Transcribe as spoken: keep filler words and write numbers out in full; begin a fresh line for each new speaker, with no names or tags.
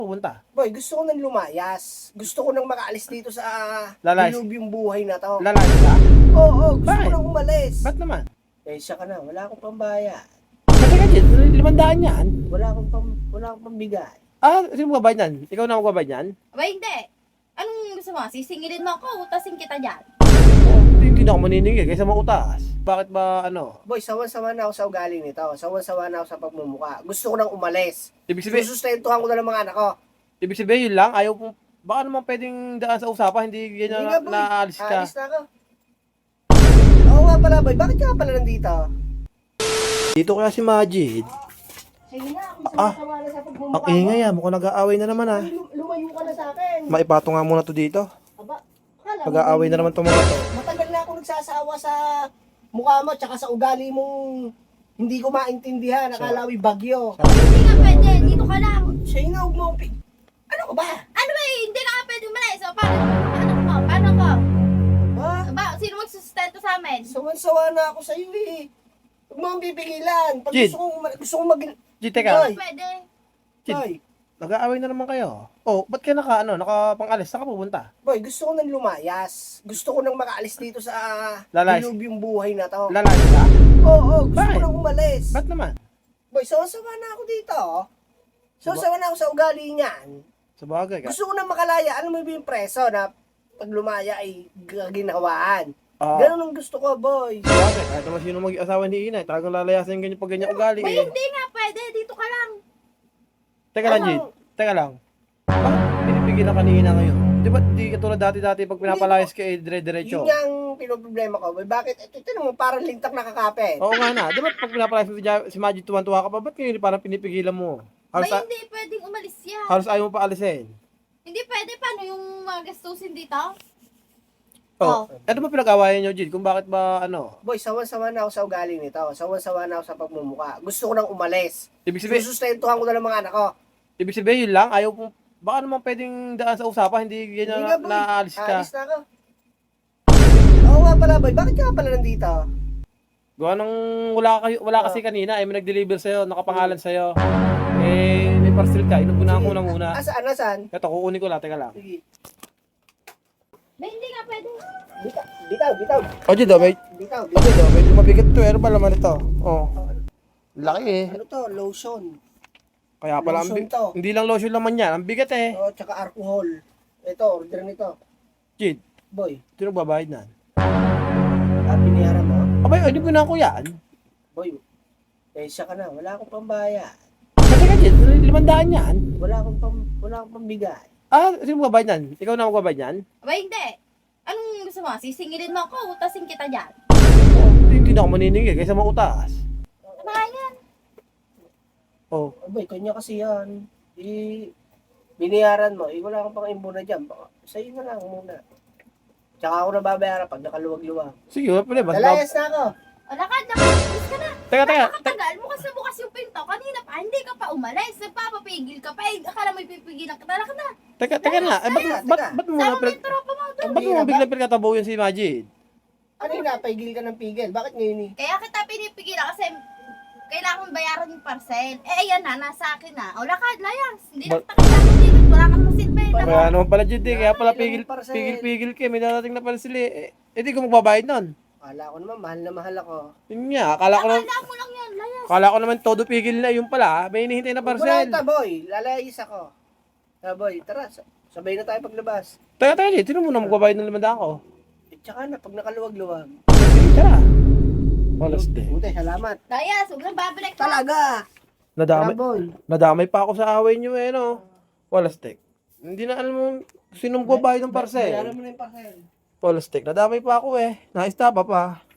Pupunta.
Boy, gusto ko nang lumayas. Gusto ko nang makaalis dito sa
Lalayas.
dilubyong buhay na to.
Lalaki ka?
Oo, oo, gusto
Bakit?
ko nang umalis.
Ba't naman?
Eh, siya ka na, wala akong pambayad.
Kasi ka dyan, limandaan yan.
Wala akong pam, wala akong pambigay.
Ah, sino magbabayad yan? Ikaw na magbabayad yan?
Aba, hindi. Anong gusto mo? Sisingilin mo ako, utasin kita dyan.
Hindi, hindi na ako maniningil kaysa mautas. Bakit ba ano?
Boy, sawan-sawa na ako sa ugali nito. Sawan-sawa na ako sa pagmumuka. Gusto ko nang umalis.
Ibig sabihin,
Susustentuhan ko na ng mga anak ko.
ibig sabihin yun lang, ayaw pong, baka naman pwedeng daan sa usapan, hindi ganyan
Hindi
na,
nga, boy.
naalis ka.
Aalis na ako. Oo nga pala, boy. Bakit ka pala nandito?
Dito kaya si Majid.
Sige na, kung
Ah,
sawa na sa pagmumuka
Ang ingay ah, mukhang nag-aaway na naman ah.
Ay, lum- lumayo ka na sa akin.
Maipato nga muna to dito.
Aba, akala mo,
Nag-aaway na naman itong mga to.
matagal na ako nagsasawa sa mukha mo tsaka sa ugali mong hindi ko maintindihan. Akala mo'y bagyo.
Hindi nga pwede, dito ka lang.
Siya yung huwag mo. pi- Ano ka ba?
Ano ba eh, hindi ka nga pwede umalis. So, paano, paano ko? Paano ko?
Ha?
Aba, sino magsusustento sa amin?
Sawan-sawa na ako sa iyo eh. Huwag mo akong pipigilan. Pag
Jid.
gusto kong, ma- gusto kong mag...
Jid, teka.
Ay.
Pwede.
Jid.
Ay,
Nag-aaway na naman kayo. Oh, ba't ka naka, ano, nakapang-alis? Saan ka pupunta?
boy, gusto ko nang lumayas. Gusto ko nang makaalis dito sa
Lalayas.
dilubyong buhay na to.
Lalaki ka?
Oo, oo, gusto
Bakit?
ko nang umalis.
Ba't naman?
Boy, sawa-sawa na ako dito. oh. Sawa-sawa na ako sa ugali niyan.
Sa bagay ka.
Gusto ko na makalaya. Ano mo yung preso na pag lumaya ay g- ginawaan.
Ah,
Ganun ang gusto ko, boy.
sa bagay. Kahit naman sino mag-asawa ni Inay, talagang lalayasin yung ganyan pag ganyan ugali
Ba,
eh.
hindi nga pwede, dito ka lang.
Teka lang,
Ano?
Jid. Teka lang. Bakit pinipigilan kanina ngayon? Di ba di katulad dati-dati pag pinapalayas ka eh, dire-diretso?
Yun nga ang pinoproblema ko, boy. Bakit? Ito, ito naman parang lintak na kakapit.
Oo nga na. Di ba pag pinapalayas mo si Ja- si Majid tuwan-tuwa ka pa, ba't ngayon parang pinipigilan mo?
Ba,
Halos, a-
hindi pwedeng umalis yan.
halos ayaw mo pa alisin.
Hindi pwede, paano yung mga gastusin dito?
Oh, ano ba pinag-awayan nyo, Jid? Kung bakit ba, ano?
Boy, sawan-sawa na ako sa ugali nito. Sawan-sawa na ako sa pagmumuka. Gusto ko nang umalis.
Ibig sabihin,
Susustentuhan ko na ng mga anak ko.
ibig sabihin yun lang, ayaw pong, baka naman pwedeng daan sa usapan, hindi ganyan
Hindi
na,
nga, boy.
naalis ka.
Aalis na ako. Oo nga pala, boy. Bakit ka pala nandito?
Gawa nang wala, kayo, wala kasi kanina, eh, may nag-deliver sa'yo, nakapangalan sa'yo. Eh, may parcel ka, inubunahan ko na muna.
Asaan, asaan?
Ito, kukunin ko lang, teka lang.
Sige.
Ba, hindi nga pwede.
Bitaw, bitaw, bitaw.
O, Jid, oh, may,
Bitaw,
o,
bitaw.
Jid, oh, medyo mabigat to, ano ba laman ito? Oh, laki eh.
Ano to? Lotion.
Kaya pala, ang
Lotion
bi-
to.
hindi lang lotion laman yan, ang bigat eh.
Oh, tsaka alcohol. Ito, order nito.
Jid,
Boy,
sino babayad na?
ah, binayaran mo?
Abay, hindi ko na ko yan.
Boy, eh siya ka na. Wala akong pambayad.
Kasi ka, Jid, limandaan yan.
Wala akong pam, wala akong pambigay.
Ah, sino magbabayad yan? Ikaw na magbabayad yan?
Aba, hindi. Anong gusto mo? Sisingilin mo ako, utasin kita dyan.
Oh, hindi, hindi na ako maniningil kaysa mautas.
Ano nga yan?
Oh,
Oh, boy, kanya kasi yan. Eh, binayaran mo. Eh, wala akong pang imbuna dyan. Baka, sa'yo na lang muna. Tsaka ako na babayaran pag nakaluwag-luwag.
sige, wala pala, basta.
Lalayas na ako.
O, lakad, lakad. Alis ka na.
Teka, teka,
Nakakatagal mo kasi bukas yung pinto. Kanina pa, hindi ka pa umalis. Nagpapapigil ka pa. Eh, akala mo ipipigilan ka. Lakad na.
teka, teka na. Eh, ba't,
Teka,
ba't,
teka.
ba't mo
Sama
na
mo
pinag...
yung tropa mo doon.
Ba't mo bigla pinagkatabaw yan si Majid?
Ano yung napaigil ka ng pigil? Bakit ngayon eh?
Kaya kita pinipigilan kasi kailangan bayaran yung parcel. Eh, ayan na, nasa akin na. O, lakad, layas. Hindi na
Ba-
kita kailangan dito. Wala kang masilbi.
Ba-
Kaya naman pala, Jid, eh. Kaya pala
Ilang
pigil,
parcel?
pigil, pigil ka. May darating na pala sila eh. Eh, di ko magbabayad nun.
Akala ko naman, mahal na mahal ako.
Yun nga, akala ko naman,
Akala mo lang yan, layas.
akala ko naman todo pigil na. Yung pala, may hinihintay na
Wala
parcel.
ta, boy. Lalayas ako. Ah, boy, tara. sa- Sabay na tayo paglabas.
Teka, teka, Jid, sino muna magbabayad ng limandaan ko?
Eh, tsaka na, pag nakaluwag-luwag.
Sige, tara. Walas de.
Buti, salamat.
Layas, huwag nang babalik ka.
Talaga. Tara,
Nadamay,
boy.
nadamay pa ako sa away nyo eh, no? Walastek. Hindi na alam mo sino magbabayad ng
Bayaran
parcel.
mo na yung parcel.
Walastek. Nadamay pa ako eh. Naista pa pa.